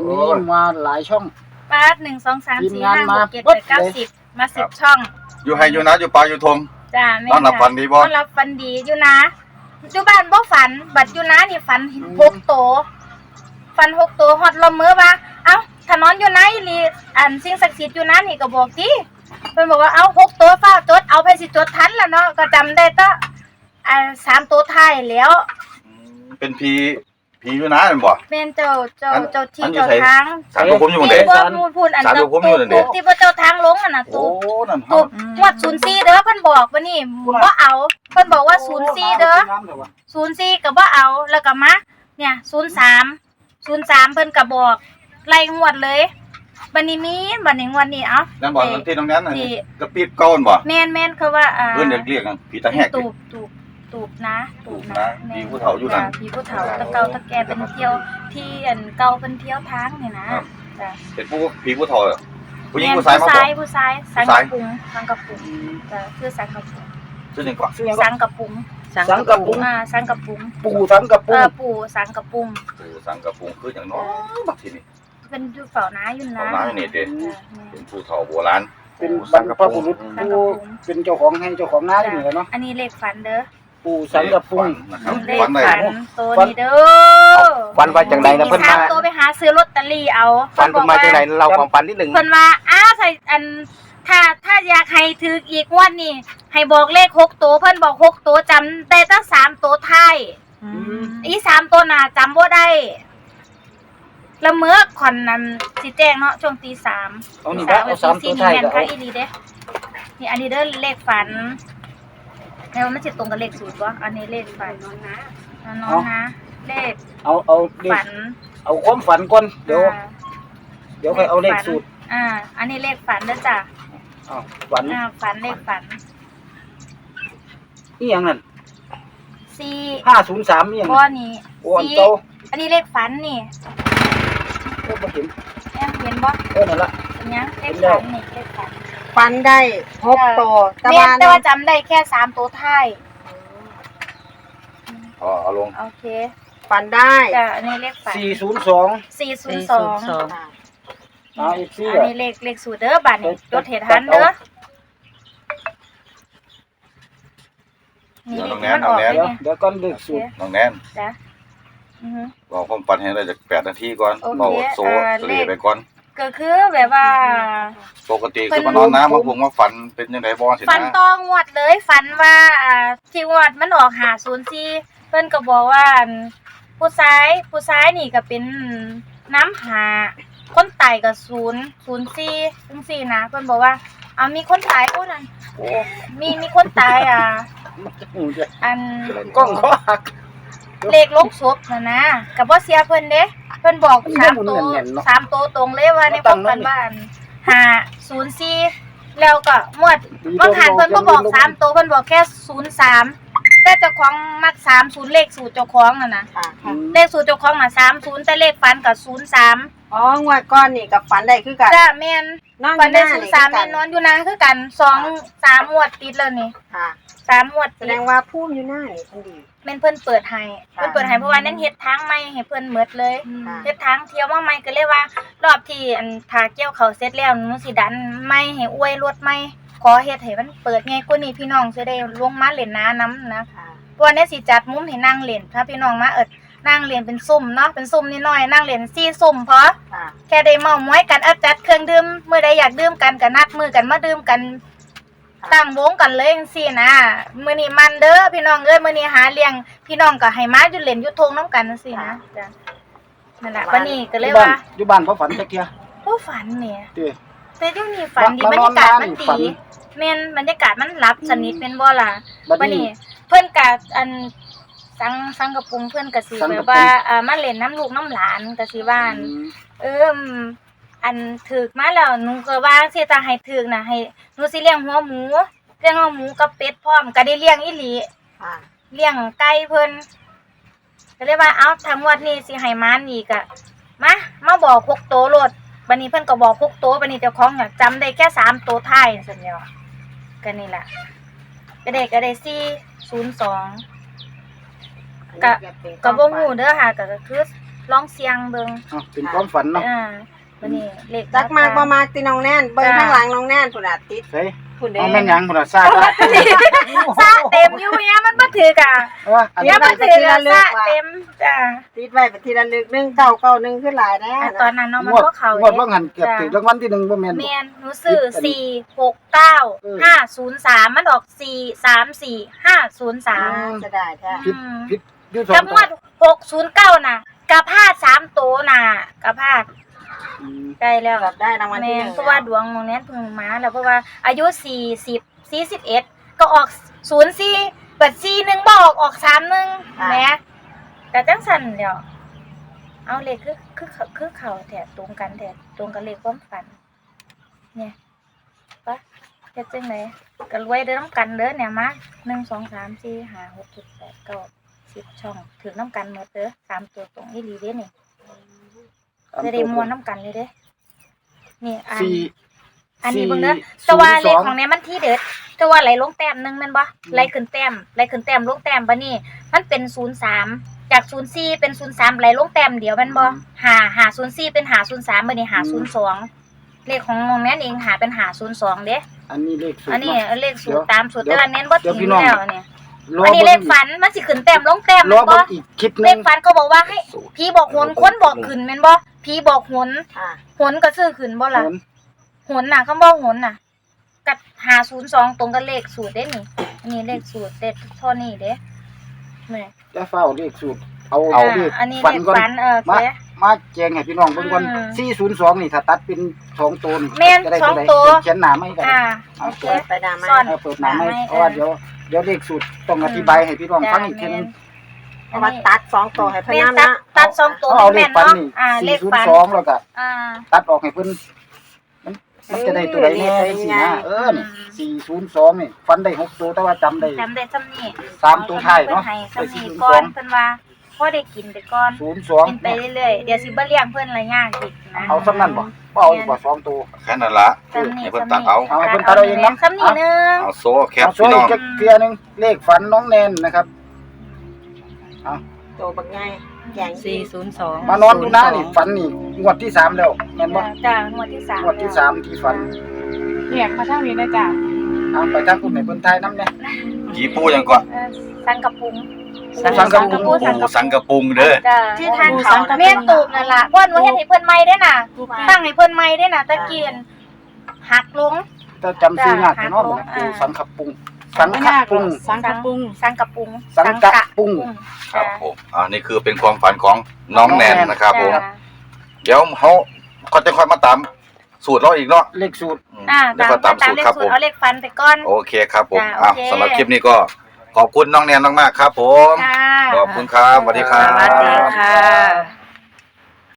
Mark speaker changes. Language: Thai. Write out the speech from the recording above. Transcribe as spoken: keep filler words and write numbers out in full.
Speaker 1: วันนี้มาหลายช่อง
Speaker 2: ปาดหนึ่งสองสามสี่ห้าหกเจ็ดแปดเก้าสิบมาสิบช่อง
Speaker 3: อยู่ให้อยู่นะอยู่ปลาอยู่ทง
Speaker 2: จ้าแม่
Speaker 3: นอนหลับฝันดีบ่
Speaker 2: นอนหลับฝันดีอยู่นะอยู่บ้านบ่ฝันบัดอยู่นะนี่ฝันหกโตฝันหกโตฮอดลมมือว่าเอ้าถ้านอนอยู่นะอีหลีอันสิ่งศักดิ์สิทธิ์อยู่นะนี่ก็บอกติเพิ่นบอกว่าเอ้าหกโตฟ้าจดเอาไปสิจดทันล่ะเนาะก็จำได้ตะอ่าสามโตท้ายแล้ว
Speaker 3: เป็นผีผีอยู่นะแม่นบ่
Speaker 2: แม่นเจ้าเจ้าเจ้าที่เจ้าทาง
Speaker 3: สารผมอยู่เด้
Speaker 2: บ่พูดพูดอันนั้นตุ๊บที่บ่เจ้าทางลงอ่ะน่ะตุ๊บตุ๊บงวดศูนย์สี่เด้อเพิ่นบอกว่านี่บ่เอาเพิ่นบอกว่าศูนย์สี่เด้อศูนย์สี่ก็บ่เอาแล้วก็มาเนี่ยศูนย์สาม ศูนย์สามเพิ่นก็บอกไล่งวดเลยบัดนี้มีบัดนี้งวดนี้เอ้า
Speaker 3: นั่นบ่ที่ตรงนั้นน่ะกระปิดเก่าบ่
Speaker 2: แม่นๆคือว่าอ่า
Speaker 3: เพิ่นเรียกกันผีตาแหก
Speaker 2: ตูบตูบตูบนะ
Speaker 3: ตูบนะผีผู้เฒ่าอยู่นั่น
Speaker 2: ผีผู้เฒ่าตะเกาตะแกเป็นเที่ยวที่อันเก่าเพิ่นเที่ยวทางนี่นะจ้ะ
Speaker 3: เป็นผู้ผีผู้เฒ่าผู้หญิงผู้ชายมา
Speaker 2: บ่ผู้ชายผู้ชายสังกะปุงสังกะปุงจ้ะคือสังกะปุง
Speaker 3: ชื่อจังกว่า
Speaker 2: สังกะปุง
Speaker 1: สังกะปุง
Speaker 2: อ่าสังกะปุง
Speaker 1: ปู่สังกะปุง
Speaker 2: เออปู่สังกะปุง
Speaker 3: ปู่สังกะปุงคือจังเนาะบักทีนี้
Speaker 2: เป็นอยู่เฝ้านาอยู่นะ
Speaker 3: เฝ้านาอยู่นี่เด้เป็นผู้เฒ่าโบราณ
Speaker 1: เป็นบรรพบุรุษผู้เป็นเจ้าของให้เจ้าของนาอยู่นี่แหละเนาะ
Speaker 2: อันนี้เลขฝันเด้อ
Speaker 1: ปู่สังกะปุง
Speaker 3: นะครับ
Speaker 2: เลขฝันตัวนี้เด้อ
Speaker 4: ฝันว่าจังไดนะเพิ่นมา
Speaker 2: ตัวไปหาซื้อลอตเตอรี่เอา
Speaker 4: ฝันเพิ่นมาจังไดเราความฝันนิดนึง
Speaker 2: เพิ่นว่าอ้าใส่อันถ้าถ้าอยากให้ถืออีกงวดนี้ให้บอกเลขหกตัวเพิ่นบอกหกตัวจำได้ตั้งสามตัวท้ายอีสามตัวหน้าจำบ่ได้แล้วเมื่อขอนนั้นสิแจ้งเนาะช่วงตีสาม
Speaker 1: เอานี่เอาสามตัวท้ายก็เอา
Speaker 2: อีหลีเด้นี่อันนี้เด้อเลขฝันแล้วมันสิตรงกับเลขสูตรบ่อันนี้เลขฝันนอนนะนอนนะเลข
Speaker 1: เอาเอา
Speaker 2: ฝัน
Speaker 1: เอาความฝันก่อนเดี๋ยวเดี๋ยวค่อยเอาเลขสูตร
Speaker 2: อ่าอันนี้เลขฝันเด้อจ้ะ
Speaker 1: อ้าวฝัน
Speaker 2: อ่าฝันเลขฝัน
Speaker 1: อีหยังนั่น
Speaker 2: สี่
Speaker 1: ห้าศูนย์สามอีหยัง
Speaker 2: บ่นี่
Speaker 1: สี่
Speaker 2: อันนี้เลขฝันนี่
Speaker 1: โอ้บ่เห็น
Speaker 2: แอมเห็นบ่
Speaker 1: เออนั่นล่ะ
Speaker 2: เป็นหยังเลขฝันนี่เลขฝัน
Speaker 5: ฝันได้หกตัว
Speaker 2: แต่ว่าแต่ว่าจำได้แค่สามตัวท้าย
Speaker 3: อ๋อเอาลง
Speaker 2: โอเค
Speaker 5: ฝันได้
Speaker 2: จ้ะอันนี้เลขฝัน
Speaker 1: สี่ศูนย์สอง
Speaker 2: สี่ศูนย์สอง
Speaker 1: อ่าอีกสี่
Speaker 2: อันนี้เลขเลขสูตรเด้อบัดนี้จดเฮ็ดทันเด้อ
Speaker 3: นี่เลขมันออกแล้ว
Speaker 1: เดี๋ยวก่อนเลขสูตร
Speaker 3: น้องแนน
Speaker 2: จ้ะอือฮึ
Speaker 3: บอกความฝันให้ได้จากแปดนาทีก่อนเว้าโซเสลีไปก่อน
Speaker 2: ก็คือแบบว่า
Speaker 3: ปกติคือมานอนน้ำมาพุงมาฝันเป็นจังได๋บ่สินะ
Speaker 2: ฝันตองวดเลยฝันว่าอ่าที่งวดมันออกห้าศูนย์สี่เพิ่นก็บอกว่าผู้ชายผู้ชายนี่ก็เป็นน้ำหาคนตายก็ศูนย์ ศูนย์สี่จังซี่นะเพิ่นบอกว่าเอามีคนตายผู้นั้นโอ้มีมีคนตายอ่ะอัน
Speaker 1: กล้องขอหัก
Speaker 2: เลขลงศพน่ะนะก็บ่เสียเพิ่นเด้เพิ่นบอกสามตัวสามตัวตรงเลยว่าในพวกกันบ้านห้าศูนย์สี่แล้วก็หมดบางหันเพิ่นบ่บอกสามตัวเพิ่นบอกแค่ศูนย์สามแต่เจ้าของมักสามศูนย์เลขสูตรเจ้าของน่ะนะเลขสูตรเจ้าของน่ะสามศูนย์แต่เลขฝันก็ศูนย์สาม
Speaker 5: อ๋องวดก้อนนี่กับฝันได้คือกัน
Speaker 2: จ้ะแม่นฝันได้ศูนย์สามแม่นนอนอยู่นาคือกันสอง สามงวดติดแล้วนี่
Speaker 5: ค่ะ
Speaker 2: สามงวด
Speaker 5: แสดงว่าผู้อยู่หน้านี่เพิ่นดี
Speaker 2: แม่นเพิ่นเปิดให้เพิ่นเปิดให้เพราะว่านั้นเฮ็ดทางใหม่ให้เพิ่นหมดเลยเฮ็ดทางเที่ยวมาใหม่ก็เลยว่ารอบที่อันทาเกี่ยวเขาเสร็จแล้วหนูสิดันใหม่ให้อวยรถใหม่ขอเฮ็ดให้มันเปิดไงกว่านี้พี่น้องสิได้ลงมาเล่นน้านำนะเพราะว่าเนี่ยสิจัดมุมให้นั่งเล่นถ้าพี่น้องมาเอิดนั่งเล่นเป็นซุ่มเนาะเป็นซุ่มนิดหน่อยนั่งเล่นสี่ซุ่มพอแค่ได้เมามอยกันอัดจัดเครื่องดื่มมื้อใดอยากดื่มกันก็นัดมื้อกันมาดื่มกันตั้งวงกันเลยจังซี่นะมื้อนี้มันเด้อพี่น้องเอ้ยมื้อนี้หาเลี้ยงพี่น้องก็ให้มาอยู่เล่นอยู่ทงนำกันจังซี่นะจ้ะนั่นแหละวันนี้ก็เลยว่า
Speaker 1: อยู่บ้านบ่ฝันจักเที่ย
Speaker 2: บ่ฝันแหมแต่อยู่นี่ฝันดีบรรยากาศมันดีแม่นบรรยากาศมันหลับสนิทแม่นบ่ล่ะบัดนี้เพิ่นก็อันสังสังกะปุงเพิ่นก็สิแบบว่าอ่ามาเล่นน้ำลูกน้ำหลานก็สิว่าเอออันถึกมาแล้วหนูก็ว่าสิถ้าให้ถึกน่ะให้หนูสิเลี้ยงหัวหมูเลี้ยงหัวหมูกับเป็ดพร้อมก็ได้เลี้ยงอีหลีค่ะเลี้ยงไก่เพิ่นก็เลยว่าเอ้าถ้างวดนี้สิให้มานอีกอ่ะมามาบอกหกโตโลดบัดนี้เพิ่นก็บอกหกโตบัดนี้เจ้าของน่ะจำได้แค่สามโตท้ายซั่นแหล้วก็นี่ล่ะก็ได้ก็ได้สี่ศูนย์สองก็ก็บ่ฮู้เด้อค่ะก็คือลองเสียงเบิ่ง
Speaker 1: อ่ะเป็นความฝันเนาะ
Speaker 2: อ่าวันนี้เลข
Speaker 5: จักมากบ่มากตีน้องแน่นเบิ่งข้างหลังน้องแน่นพุ่นน่ะติด
Speaker 1: เฮ้ย
Speaker 5: พุ่นเด้
Speaker 1: เอาแม่นหยังพุ่นน่ะซ่าจ้ะ
Speaker 2: ซาเต็มอยู่เนี่ยมันบ่ถือกะ
Speaker 1: เอออัน
Speaker 2: เนี่
Speaker 1: นี้
Speaker 2: ยมันถือกะซาเต็มจ้า
Speaker 5: ติดไว้เป็นทีละลึกหนึ่งเก้าเก้าหนึ่งขึ้นหลายนะ
Speaker 2: อ่ะตอนนั้นเนาะมัน
Speaker 1: งวด
Speaker 2: บ่เข้าง
Speaker 1: วดว่าหันเกือบถึงรางวัลที่หนึ่งบ่แม่นบ่
Speaker 2: แม่นหนูซื้อสี่หกเก้าห้าศูนย์สามมันออกสี่สามสี่ห้าศูนย์สาม
Speaker 5: จะได้แท้
Speaker 1: ผิดผิดอยู่สอ
Speaker 2: กับ
Speaker 1: ง
Speaker 2: ง
Speaker 1: ตัว
Speaker 2: วดหกศูนย์เก้าน่ะกะพลาดสามตัวน่ะกะพลาด
Speaker 1: อืม
Speaker 2: ใกล้แล้ว
Speaker 5: แบบได้รางวัลที่
Speaker 2: แม่
Speaker 5: หนึ่ง
Speaker 2: เพราะว่าดวงตรงนี้เพิ่งมาแล้วเพราะว่าอายุสี่สิบสี่สิบเอ็ดก็ออกศูนย์สี่เปิดสี่หนึ่งบอกออกสามหนึ่งแหมแต่จังสันเดี๋ยวเอาเลขคือคือคือเขาแถตรงกันแถตรงกันเลขความฝันเนี่ยปะเฮ็ดจังไหนก็รวยเด้อน้ำกันเด้อเนี่ยมาหนึ่งสองสามสี่ห้าหกเจ็ดแปดเก้าสิบช่องถือน้ำกันหมดเด้อสามตัวตรงอีหลีเด้อนี่จะได้มวนน้ำกันเลยเด้อนี่อัน
Speaker 1: สี่
Speaker 2: อันนี้เบิ่งเด้อ
Speaker 1: สี่
Speaker 2: แต่ว่าเลข
Speaker 1: ศูนย์สอง
Speaker 2: ของเนี้ยมันที่เด็ดแต่ว่าไหลลงแต้มหนึงแม่นบ่ไหลขึ้นแต้มไหลขึ้นแต้มลงแต้มบัดนี้มันเป็นศูนย์สามจากศูนย์สี่เป็นศูนย์สามไหลลงแต้มเดียวแม่นบ่ห้า ห้าศูนย์สี่เป็นห้าศูนย์สามบัดนี้ห้าศูนย์สองเลขของน้องแม่นเองหาเป็นห้าศูนย์สองเด้
Speaker 1: อันนี้เลขสูตร
Speaker 2: อันนี้
Speaker 1: เนาะ
Speaker 2: เลขสูตร
Speaker 1: เดี๋ยว
Speaker 2: ตามสูตร
Speaker 1: เดี๋
Speaker 2: แต่
Speaker 1: ยว
Speaker 2: ว่าเน้นบ่
Speaker 1: เดี๋ยว
Speaker 2: ทิ้ง
Speaker 1: พี่น้อง
Speaker 2: แล้วเนี่ย
Speaker 1: รอ
Speaker 2: อันนี้
Speaker 1: บิ่ง
Speaker 2: เลขฝันมันสิขึ้นแต้มลงแต้ม
Speaker 1: รอ
Speaker 2: แม่นบ่
Speaker 1: เบิ่งอีกคลิปห
Speaker 2: เล
Speaker 1: นึ
Speaker 2: ข
Speaker 1: ง
Speaker 2: ฝันก็บอกว่าให้ผีบอกหนคนบอกขึ้นแม่นบ่ผีบอกหน
Speaker 5: อ่า
Speaker 2: หนก็ซื้อขึ้นบ่ล่ะ หนน่ะคำว่าหนน่ะกับหาศูนย์สองตรงกับเลขสูตรเด้นี่อันนี้เลขสูตรเด็ดเท่านี้เด้แม่
Speaker 1: จะเฝ้าเลขสูตรเอา
Speaker 2: อ่า
Speaker 1: เลข
Speaker 2: อันนี้
Speaker 1: ฝั
Speaker 2: เล
Speaker 1: น
Speaker 2: ข
Speaker 1: ก่อน
Speaker 2: ฝันเออ
Speaker 1: มา
Speaker 2: เจ๊
Speaker 1: มาแจ้งให้พี่น้องเบิ่งก่อน
Speaker 2: อืม
Speaker 1: สี่ศูนย์สองนี่ถ้าตัดเป็นสองตัวนี่
Speaker 2: แม่น
Speaker 1: จะได้
Speaker 2: สอง
Speaker 1: ใด
Speaker 2: ตัว
Speaker 1: เขียนหน้าไม่กัน
Speaker 2: อ่าโอเค
Speaker 5: เปิดไปดามา
Speaker 2: ซ่อน
Speaker 1: เออเปิดหน้าไม่
Speaker 2: หน้าไม่
Speaker 1: เพราะว่าเดี๋ยวเดี๋ยวเลขสูตรต้องอธิบายให้พี่น้องฟังอีกทีนึง
Speaker 5: เพราะว่าตัดสองตัวให้เพิ่น
Speaker 2: แม่น
Speaker 5: นำ
Speaker 2: ตัด
Speaker 5: นะ
Speaker 2: ตัดสองตัว
Speaker 1: เขาเอาเล
Speaker 2: แม่
Speaker 1: ข
Speaker 2: น
Speaker 1: ฝัน
Speaker 2: เนาะ
Speaker 1: นี่
Speaker 2: อ่าเล
Speaker 1: สี่
Speaker 2: ข
Speaker 1: ศูน
Speaker 2: ฝั
Speaker 1: ย์
Speaker 2: น
Speaker 1: สองแล้วก็
Speaker 2: อ่า
Speaker 1: ตัดออกให้เพิ่นมันมันจะได้ตัวใดแน่จังซี่นะเออนี่
Speaker 2: อืม
Speaker 1: สี่ศูนย์สองนี่ฟันได้หกตัวแต่ว่าจำได้
Speaker 2: จำได้ซ้ำนี่
Speaker 1: สามตัวท้ายเนาะ
Speaker 2: เพิ่นให้ซ้ำนี่
Speaker 1: ไป
Speaker 2: ก่อน
Speaker 1: สี่ศูนย์สอง
Speaker 2: เพิ่นว่าพอได้กินไปก่อน
Speaker 1: ศูนย์สอง
Speaker 2: กินไปเรื่อยๆเดี๋ยวสิบ่เลี้ยงเพิ่นละยากอีกนะ
Speaker 1: เอาซ้ำนั่นบ่บ่เอาอีกบ่สองตัว
Speaker 3: แค่นั้นละ
Speaker 2: ซ้ำนี่
Speaker 3: ให้เพิ่น
Speaker 2: ซ้ำ
Speaker 3: ตัดเอา
Speaker 1: เอาให้เพิ่นตัดเอาเองนะ
Speaker 2: ซ้ำนี่หนึง
Speaker 3: เอาโซ่แคป
Speaker 1: เอาช่ว
Speaker 3: พี่
Speaker 1: ย
Speaker 3: น้อง
Speaker 1: อีกเกลียหนึงเลขฝันน้องแนนนะครับ
Speaker 5: ตัวบักใหญ่แกง
Speaker 6: สี่ศูนย์สอง
Speaker 1: มานอนดูหน้านี่ฝันนี่งวดที่สามแล้วแม่นบ่
Speaker 2: จ้างวดที่สาม
Speaker 1: งวดที่สามที่ฝัน
Speaker 6: เรียกมาทางนี้นะจ๊ะ
Speaker 1: เอาไปทางคุณให้เพิ่นทายนำแน่
Speaker 3: กี่ปูยังก่อน
Speaker 2: เออสังกะปุง
Speaker 1: สังกะปุง
Speaker 2: ปูสัง
Speaker 3: ปู
Speaker 2: กะ
Speaker 3: สังกะปุงเด้อ
Speaker 2: จ้า
Speaker 5: ที่ทางเขา
Speaker 2: แม่นตูบนั่นล่ะเพราะหนูเฮ็ดให้เพิ่นใหม่ได้น่ะตั้งให้เพิ่นใหม่ได้น่ะตะเกียนหักลง
Speaker 1: ถ้าจำชื่อยากเนาะบ่ปูสังขปุงสังขปุง
Speaker 6: สังกะปุง
Speaker 2: สังกะปุง
Speaker 1: สังกะปุง
Speaker 3: ครับผมอ่านี่คือเป็นความฝันของน้องแนนนะครับผม
Speaker 2: จ้า
Speaker 3: เดี๋ยวเขาเขาจะค่อยมาตามสูตรเราอีกเนาะ
Speaker 1: เลขสูตร
Speaker 3: อืม
Speaker 2: อ่า
Speaker 3: เดี๋ยว
Speaker 2: ตาม
Speaker 3: ก็ตาม
Speaker 2: ตาม
Speaker 3: สูตร
Speaker 2: เลข
Speaker 3: ครับ
Speaker 2: สู
Speaker 3: ผ
Speaker 2: ตร
Speaker 3: ม
Speaker 2: เอาเลขฟันไปก่อน
Speaker 3: โอเคครับผม
Speaker 2: จ้ะ
Speaker 3: อ่ะ
Speaker 2: โอเค
Speaker 3: สำหรับคลิปนี้ก็ขอบคุณน้องแนนมากๆครับผม
Speaker 2: ค่ะ
Speaker 3: ขอบคุณครับสวัสดีครับ
Speaker 6: สวัสดีค่ะ